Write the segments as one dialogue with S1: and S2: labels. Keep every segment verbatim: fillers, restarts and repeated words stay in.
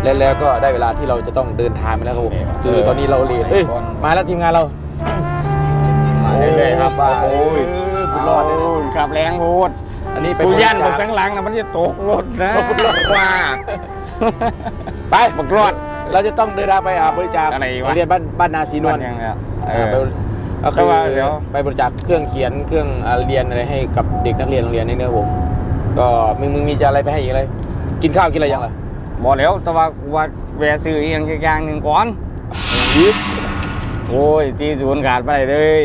S1: แล้วแล้วก็ได้เวลาที่เราจะต้องเดินทางไปแล้วครับผมคือตอนนี้เราเลทเฮ้ยมาแล้วทีมงานเรา
S2: มาเรื่อยๆครับโอ้ย
S1: คุณรอดเลย
S2: ขับแรงโหด
S1: อันนี้ไป
S2: กูย่านบักทั้งหลังนะมันจะตกรถนะว่า
S1: ไปบักรอดเราจะต้องเดินทางไปบริจาค
S2: อะไรวะ
S1: เรียนบ้านบ้านนาศรีนวล
S2: เออ
S1: ก็คือไปบริจาคเครื่องเขียนเครื่องเรียนอะไรให้กับเด็กนักเรียนโรงเรียนนี่เนอะผมก็มึงมึงมีจะอะไรไปให้อีกอะไรกินข้าวกินอะไรยังไง
S2: บอกแล้วแต่ว่าว่าแวะซื้ออีกอย่างหนึ่งก่อนโอ้ยที่ศูนย์ขาดไปเลย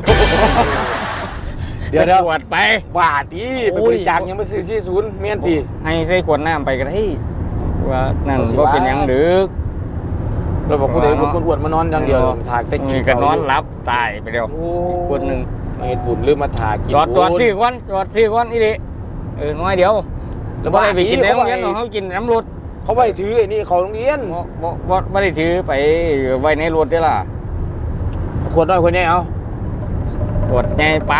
S1: เดี๋ยวเดี๋ยว
S2: วดไป
S1: บาทดิไปบริจาคยังไม่ซื้อที่ศูนย์เมียนตี
S2: ให้ใส่ขวดน้ำไปกันให้ว่านั่นก็เป็นยังดึก
S1: เราบอกคุณเอ๋บอกคุณอวดมานอนอย่างเดียวถากแต่กิน
S2: กันนอนรับตายไปเดียวคนหนึ่ง
S1: มาเห็ดบุญหรือมาถากกิน
S2: จอดจอดที่ก้อนจอดที่ก้อนอีดิเออน้อยเดียวแล้วบ่ได้ไปกินในโรงเรียนเขากินน้ำรถ
S1: เขาไว้ถือไอ้นี่เขาโรงเรียน
S2: บ่บ่ไม่ได้ถือไปไว้ในรถได้ล่ะ
S1: ขวดน้อยคนนี้เอา
S2: ขวดใหญ่ไป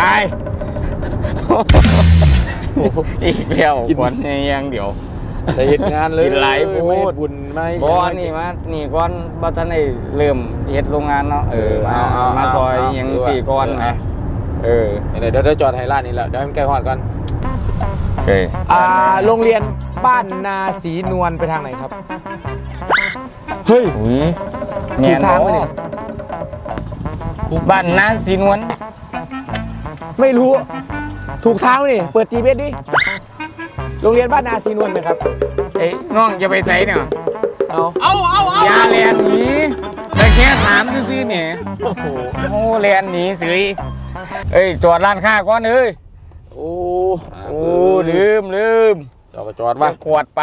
S2: อีกแล้วขวดใหญ่ยังเดี๋ยว
S1: แต่เหตุงานเลย
S2: หลายพูด
S1: บุญไหม
S2: บ่นี่มานี่ก้อนบ่ทันได้เริ่มเฮ็ดโรงงานเนาะเออมามาซอยยังสี่ก้อนนะเออ
S1: เดี๋ยวเดี๋ยวจอดไฮร้านนี่แหละเดี๋ยวให้มันใกล้ฮอดก่อน
S2: โอเค
S1: อ่าโรงเรียนบ้านนาศรีนวลไปทางไหนครับเฮ้ย
S2: ถูกทางไหมเนี่ยบ้านนาศรีนวล
S1: ไม่รู้ถูกทางนี่เปิด จี พี เอส ดิโรงเรียนบ้านนาศรีนวลไหมครับ
S2: เอ้ยน้องจะไปไหนเนี่ย
S1: เอาเอาเอาเอา
S2: อย่าเรียนหนีแต่แค่ถามซื่อๆเนี่ยโอ้โหโอ้เรียนหนีสิเอ้ยจอดร้านค้าก่อนเอ้ย
S1: โอ้
S2: โอ้ลืมลืม
S1: จอดจอดมา
S2: ขวดไป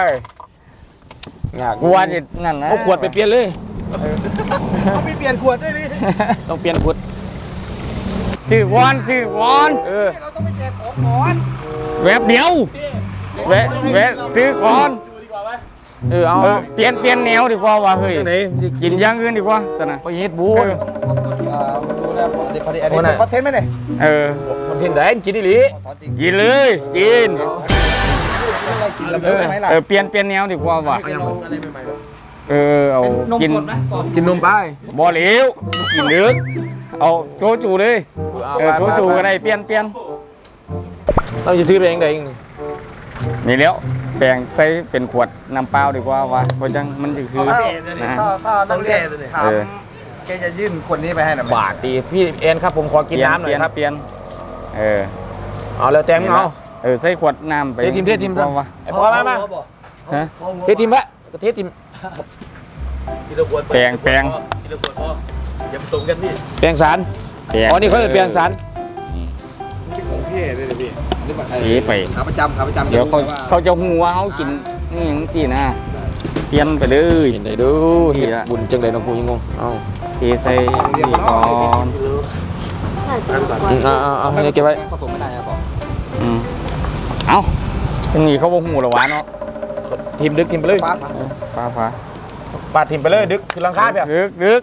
S2: ขวดนั่นนะ
S1: เอาขวดไปเปลี่ยนเลยเขาไปเปลี่ยนขวดได้ดิต้องเปลี่ยนขวด
S2: ถือวอนถือวอน
S1: เออเราต้องไปแจกของก่อน
S2: แวบเดียวแวะแวะซื้อก่อน
S1: เออเอา
S2: เปลี่ยนเปลี่ยนแนวดีกว่าว่ะเฮ้ยกินอย่างอื่นดีกว่าแต่นะ
S1: ไปเฮ็ดบูนดูแลพอดีพอดีอันนี้คอนเทนต์ไหมเนี่ย
S2: เออ
S1: คอนเทนต์ไหนกินดิลิ
S2: กินเลยกินเออเปลี่ยนเปลี่ยนแนวดีกว่าว่ะเออเอากิน
S1: กินนมไป
S2: บ่เหลวกินเนื้อเอาโชจูเลยเออโชจูก็ได้เปลี่ยนเปลี่ยน
S1: เราจะซื้อไปเองได้เอง
S2: นี่แล้วแบ่งใส่เป็นขวดน้ำเปล่าดีกว่าว่าเพราะจังมันคือนะ
S3: ถ้าถ้านักเรียนถามแกจะยื่นคนนี้ไปให้หน่อย
S1: บาทดีพี่เอ็นครับผมขอกินน้ำหน่อยครับ
S2: เปลี่ยนเออ
S1: เอาแล้วแต้มเอา
S2: เออใส่ขวดน้ำไป
S1: เททีมเททีม
S2: ว่า
S1: ไอ้พ่อมามา
S3: ฮะ
S1: เททีมวะเททีม
S2: แปลงแปลง
S1: อย่าผสมกันพี่แปลงสารอ๋อนี่เขาจะแปลงสาร
S3: ของพี่เลยพี่
S2: นี่ไป
S3: ขาประจำขาประจำ
S2: เดี๋ยวเขาเขาจะหัวเขากินนี่อย่างที่นะเปลี่ยนไปเลย
S1: เห็นได้ดูเห็นบุญจังเลยน้องกูยังงงเอา
S2: ทีใส่นี่ก่อน
S1: เอาเอาเอาให้เก็บไว้
S3: ผสมไม่ได้ครับผม
S2: อืมเอาตรงนี้เขาบอกหูหรอวะเนาะ
S1: ทีมดึกทีมไปเลย
S2: ป้าป้าป้า
S1: ปาดทีมไปเลยดึกคือลังคาเปีย
S2: ดึกดึก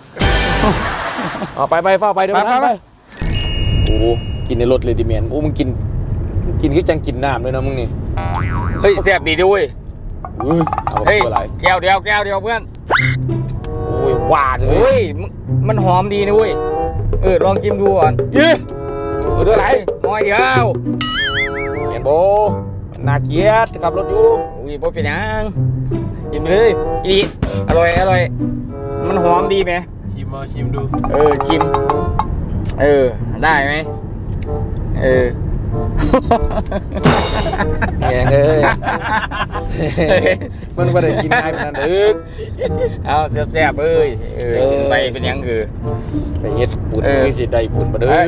S1: เอาไปไปเฝ้าไปเดี๋ยวไปไปโอ้กินในรถเลยดิเมียนโอ้มึงกินกินก็จังกินน้ำเลยนะมึงนี่
S2: เฮ้ยแซ่บดีด้วย
S1: เฮ้ย
S2: แก้วเดียวแก้วเดียวเพื่อน
S1: โอ้ยหวานเลย
S2: เฮ้ยมันหอมดีนะเว้ยเออลองชิมดูก่อน
S1: ยี่เออเรื่องอะไร
S2: น้อยเดียว
S1: เห็นโบนาเกียรติขับรถอยู่
S2: อุ้ยโบเป็นยังชิมเลยอีอร่อยอร่อยมันหอมดีไหม
S1: ชิมมาชิมดู
S2: เออชิมเออได้ไหมเออ
S1: แหงเอ้ยมันไม่ได้กินง่ายขนาดนั้นดึก
S2: เอาแซ่บๆเอ้ยเออไปเป็นยังคือ
S1: ไปเฮ็ดบุญคือสิได้บุญมาเด้อ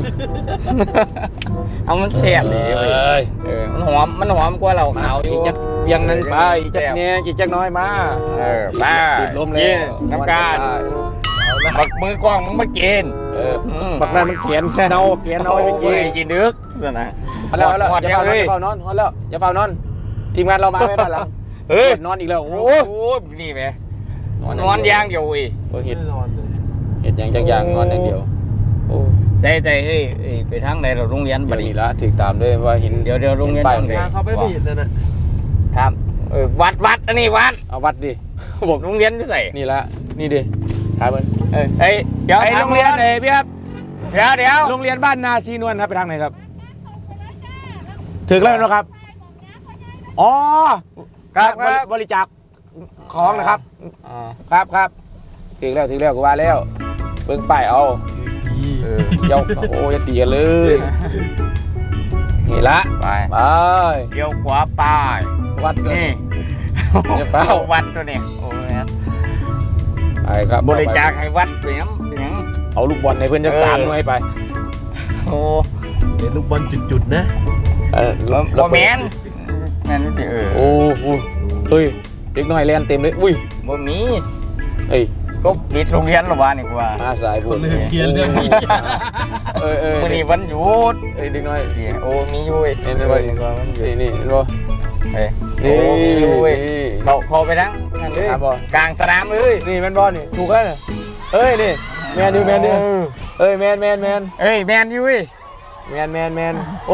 S2: เอามันแซ่บเลยเออมันหอมมันหอมกว่าเราขาวอยู่
S1: จักเพียงนั้นไปจักเนี้ยจักน้อยมา
S2: เออป้า
S1: ติดลมเลย
S2: น้ำการบักมือกล้องมึงมากิน
S1: เออบักนั้นมันเขียนแค่เนาเขียนเอาไปกิน
S2: กินดึกนั่นนะ
S1: พอแล้วแล้วอย่าเฝ้านอนอย่าเฝ้านอนพอแล้วอย่าเฝ้านอนทีมงานเรามาไม่ได้หรอ
S2: เฮ้ย
S1: นอนอีกแล้วโอ้
S2: โหนี่ไหมนอนยางเดียวอี
S1: เห็ดเห็ดยางจังยางนอนอย่างเดียวโอ้
S2: ใจใจเฮ้ยไปทางไหนเราโรงเรียนบัดนี้
S1: ละถึงตามด้วยว่าเห็น
S2: เดี๋ยวเดี๋ยวโรงเรียน
S3: ทางเขาไม่ผิดเลยนะ
S2: ครับเออวัดวัดอันนี้วัด
S1: เอาวัดดิ
S2: ผมโรงเรียนที่ไหน
S1: นี่ละนี่ดิถามมัน
S2: เอ้ยเอ้ยเดี๋ยว
S1: ไอ้
S2: ถาม
S1: โรงเรียน
S2: ก่อ
S1: ไหนพี่ครับ
S2: เดี๋ยวเดี๋ยว
S1: โรงเรียนบ้านนาชีนวลครับไปทางไหนครับ ถึงแล้วนะครับ อ๋อ
S2: ครับครับ
S1: บริจาคของนะครับ
S2: อ๋อ
S1: ครับครับถึงแล้วถึงแล้วกูว่าแล้วเบิ่งป้ายเอาเออเจ้าโอ้ยอย่าตีกันเลยนี่ละ
S2: ไป
S1: ไป
S2: เดี๋ยวขวาป้าย
S1: วัดกัน
S2: นี่
S1: เดี๋ยวเปล่า
S2: วัดตัวนี้โอ้ย
S1: ไปครับ
S2: บริจาคให้วัดเสียงเสียง
S1: เอาลูกบอลในเพื่อนจะสาม
S2: เออ
S1: หน่วยไป
S2: โอ้
S3: เดี๋ยวลูกบอลจุดๆนะ
S1: เออ
S2: โรแมนแมนนี่สิเออ
S1: โอ้โหเฮ้ยเด็กน้อยแลนเต็มเลยอุ้ย
S2: บ่มี
S1: เอ้ย
S2: ก็ปิดโรงเรียนหรอวะนี่กูว่า
S1: มาสายบุญ
S3: คนลืมเขียนเรื่องนี้
S1: เออเออ
S2: มื้อนี้วันหยุด
S1: เอ้ยเด็กน้อย
S2: เดี๋ยวโอ้มีอยู่เว้ย
S1: เห็นไหม
S2: เออวันหยุด
S1: นี่นี่เห็นบ่
S2: เอ้ย
S1: นี่
S2: โอ้มีอยู่เว้ย
S1: นี่
S2: เขาเขาไปทั้งนั่นเลย
S1: ครับบ่
S2: กลางสนามเลย
S1: นี่แมนบอลนี่ถูกแล้วเนี่ยเอ้ยนี่แมนดิแมนดิเอ้ยแมนแมนแมน
S2: เอ้ยแมนอยู่เว้ย
S1: แมนแมนแมนโอ้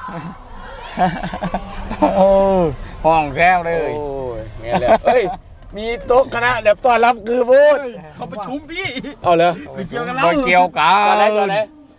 S2: โอ้ห้องแก้วเลย
S1: โอ้ยแมนแล้วเอ้ยมีโต๊ะคณะแบบต้อนรับคือพูด
S3: เขาประชุมพี่
S1: เอาเลย
S3: ไปเกี่ยวกันแล้ว
S2: บ่เกี่ยวกัน
S1: ก่อนไหนก่อนไหน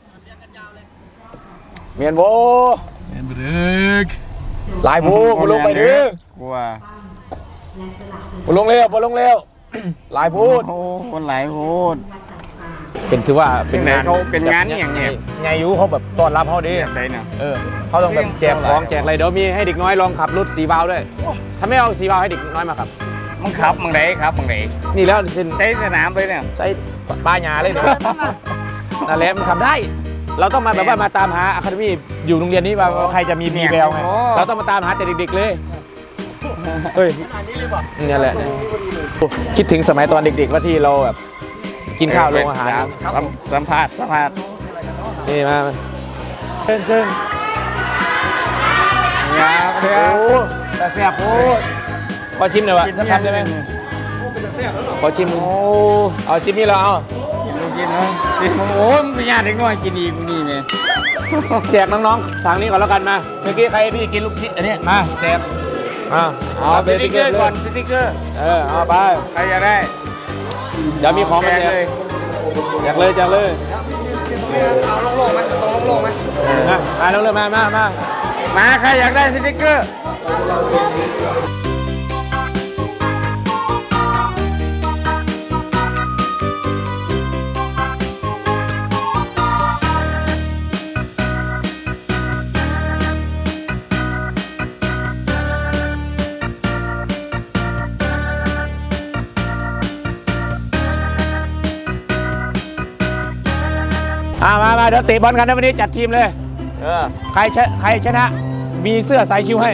S1: เมียนโบ
S3: เอ็นบรึก
S1: หลายผู้มาลงไปดื้อก
S2: ลัว
S1: มาลงเร็วมาลงเร็วหลายพูด
S2: โอ้คนหลายพูด
S1: เป็นถือว่าเป็นงาน
S2: เขาเป็นงานอย่างเนี้ย
S1: ไงยูเขาแบบต้อนรับเขาดี
S2: แบบไหนเนี่ย
S1: เออเขาต้องแบบแจกของแจกอะไรเดี๋ยวมีให้เด็กน้อยลองขับรถสีบาวด้วยถ้าไม่เอาสีบาวให้เด็กน้อยมาขับ
S2: มึงขับมึงไหนครับมึงไหน
S1: นี่แล้วเป็น
S2: ใช้สนามไปเนี่ย
S1: ใช้ป้ายหยาเลยเนี่ยนั่นแหละมันขับได้ เราต้องมาแบบว่ามาตามหาอะคาเดมี่อยู่โรงเรียนนี้ว่าใครจะมีมีแววไงเราต้องมาตามหาแต่เด็กๆเลยเฮ้ยนี่แหละเนี่ยคิดถึงสมัยตอนเด็กๆว่าที่เราแบบกินข้าวโรงอาหาร
S2: สัมสัมภาษณ์สัมภาษณ์
S1: นี่มาเชิญเชิญ
S2: อยาก
S1: โอ้แต่แซ่บโอ้ขอชิมหน่อยวะ
S2: กิน
S1: สัก
S2: เนี่ย
S1: คำได้ไหมขอชิมโอ้เอาชิมนี่เราเอา
S2: กินไม่กินเนาะกินโอ้ยมึงไปญาติเด็กน้อยกินอีกมึงนี่แม่
S1: แจกน้องๆทางนี้ก่อนแล้วกันมาเมื่อกี้ใครพี่กินลูกชิ้นอันนี้มาแจกอ่า
S2: เอาสติ๊กเกอร์ก่อนสติ๊กเกอร์
S1: เออเอาไป
S2: ใครอยากได้
S1: เดี๋ยวมีของมาแจก
S2: เลย
S1: แจกเลยแจกเลย
S3: เอาโล่งๆไหมตรงโล่งๆไหม
S1: เออมามาเร็วๆมามามา
S2: มาใครอยากได้สติ๊กเกอร์
S1: อ่ามามาเดี๋ยวเตะบอลกันนะวันนี้จัดทีมเลย
S2: เออ
S1: ใครชนะใครชนะ มีเสื้อสายชิวให้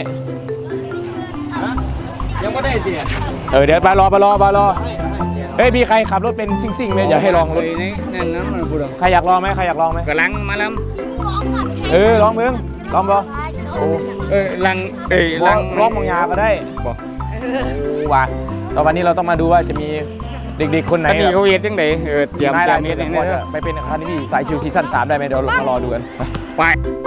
S2: ยังไม่ได้เสีย
S1: เออเดี๋ยวมารอมารอมารอเฮ้ยพี่ใครขับรถเป็นซิ่งๆไหมอยากให้ลองรถ
S2: นี่นั่นนั้นมันพูด
S1: ใครอยากลองไหมใครอยากลองไหม
S2: กำลังมาแล้ว
S1: เออลองมึงลองลองโอ้
S2: เอ้ยลังเอ้ย
S1: ล
S2: ลั
S1: อง
S2: ง
S1: ลองมองยาก็ได้
S2: บอก
S1: โอ้ว่ะตอนวันนี้เราต้องมาดูว่าจะมีเด็กๆคนไหน
S2: อันนี้เขาเฮ็ดจังไดเออเตรียม
S1: นาย
S2: เตรี
S1: ราย ย
S2: ม
S1: เม
S2: เฮ็
S1: ต
S2: ด
S1: ร
S2: จัง
S1: พอ
S2: ได
S1: จะไปเป็นคาเดมี่สายชิวซีซั่นสามได้ไหมเดี๋ยวเรามารอดูกัน
S2: ไป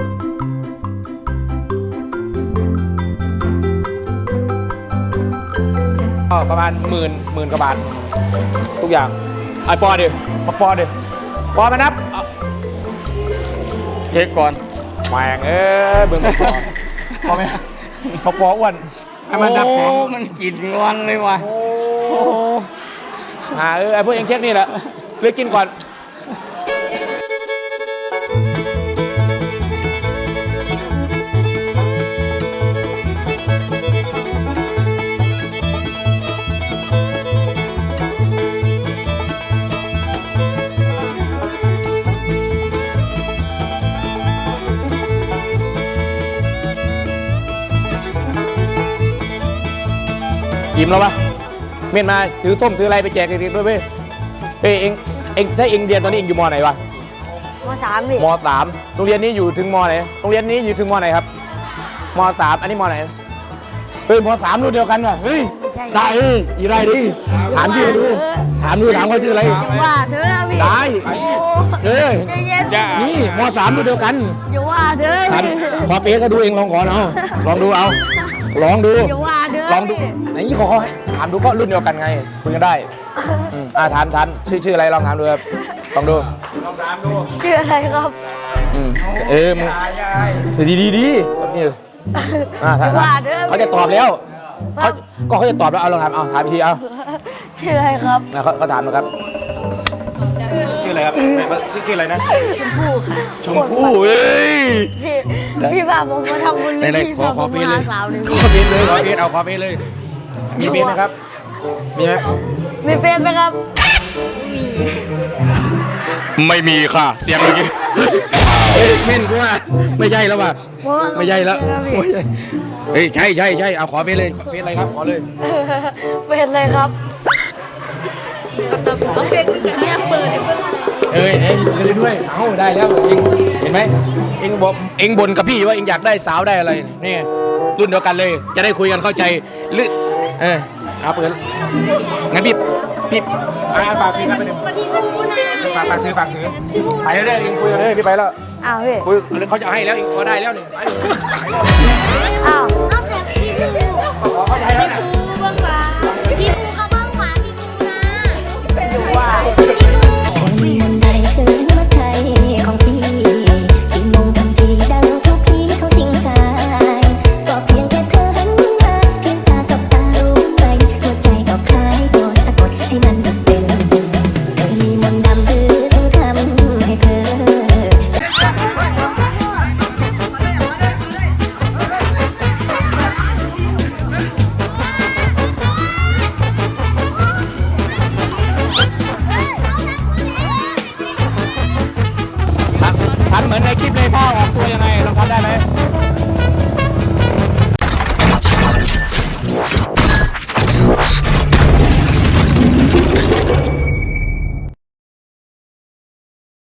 S1: ก็ประมาณหมื่นหมื่นกว่าบาททุกอย่างไอปอดิปอปอดิปอมานับเอา
S2: เช็คก่อน
S1: แหวงเอ้ยเบิ่งปอปอไหมปอปออ้วนให้มันนับของ
S2: โอ้มันกินงอนเลยว่ะ
S1: โอ้หาเออไอพวกเองเช็คนี่แหละเลือกกินก่อนอิ่มแล้วปะเมียนมาถือส้มถืออะไรไปแจกเด็กๆด้วยเว้ยเฮ้ยเองเองถ้าเองเรียนตอนนี้เองอยู่มอไหนวะ
S4: มสามดิ
S1: มสามโรงเรียนนี้อยู่ถึงมไหนโรงเรียนนี้อยู่ถึงมไหนครับมสามอันนี้มไหนเฮ้ยมสามรุ่นเดียวกันว่ะเฮ้ยได้เอ้ยอีไรดิถามชื่อดูถามดูถามเขาชื่ออะไร
S4: อย่าว่าเธอพี่
S1: ได้
S4: โอ้
S1: เฮ้ย
S4: ใจเย็น
S1: นี่มสามรุ่นเดียวกัน
S4: อย่าว่าเธอ
S1: ถาม
S4: พี่
S1: พอเป๊ะก็ดูเองลองก่อนเอาลองดูเอาลองดู
S4: อย่าว่าเด้อ
S1: ลองดู
S4: พี่
S1: ไหนขอเขาให้ถามดูก็รุ่นเดียวกันไงคุยกันได้อืมอ่าถามถามชื่อชื่ออะไรลองถามดูครับลองดู
S4: ชื่ออะไรครับ
S1: อืมเออมึงสดีดีดีแบบนี้อ่า
S4: อย่า
S1: ถาม
S4: ว่าเด้อ
S1: เขาจะตอบแล้วเขาก็เขาจะตอบแล้วเอาลองถามเอาถามอีกทีเอา
S4: ชื่ออะไรครับ
S1: อ่ะเขาเขาถามนะครับชื่ออะไรครับชื่อชื่ออะไรนะ
S4: ชมพู่ค่ะ
S1: ชมพู่เอ้ย
S4: พี่พี่พาผมมาทำบุญ
S1: ไหน
S4: พี่
S1: ๆขอ
S4: พา
S1: ข
S4: ผ
S1: อ
S4: ม
S1: เฟซ
S4: มา
S1: เลย
S4: หาสาวเลย
S1: ขอเฟซเลยขอเฟซเอาขอเฟซเลย มีเฟซไหมครับ มีไหม
S4: มีเฟซไหมครับมี
S1: ไม่มีค่ะ เสียงเมื่อกี้เอ้ยเม่นกูว่าไม่ใช่แล้วว่ะไม่ใช่แล้วไม่ใช่เฮ้ยใช่ใช่ใช่เอาขอเฟซเลยเฟซอะไรครับขอเลย
S4: เฟซเลยครับเอาเฟซคือกันเนี่ยเปิดให้เพื่อน
S1: เอ้ยเอ้ยเลยด้วยเอ้าได้แล้วเองเห็นไหมเองบอกเองบ่นกับพี่ว่าเองอยากได้สาวได้อะไรนี่รุ่นเดียวกันเลย จะได้คุยกันเข้าใจลึกเออเอาเปิดงั้นพี่พี่อ่าฝากพี่ครับไปหนึ่งฝากฝากซื้อฝากซื้อไปเรื่อยๆเองคุยกันเลยพี่ไปแล้ว
S4: อ้าวพี่
S1: คุยเขาจะให้แล้วเองพอได้แล้วนี่ไปไปแล้ว
S4: อ้าว
S1: ขอเขาจะให้แล้ว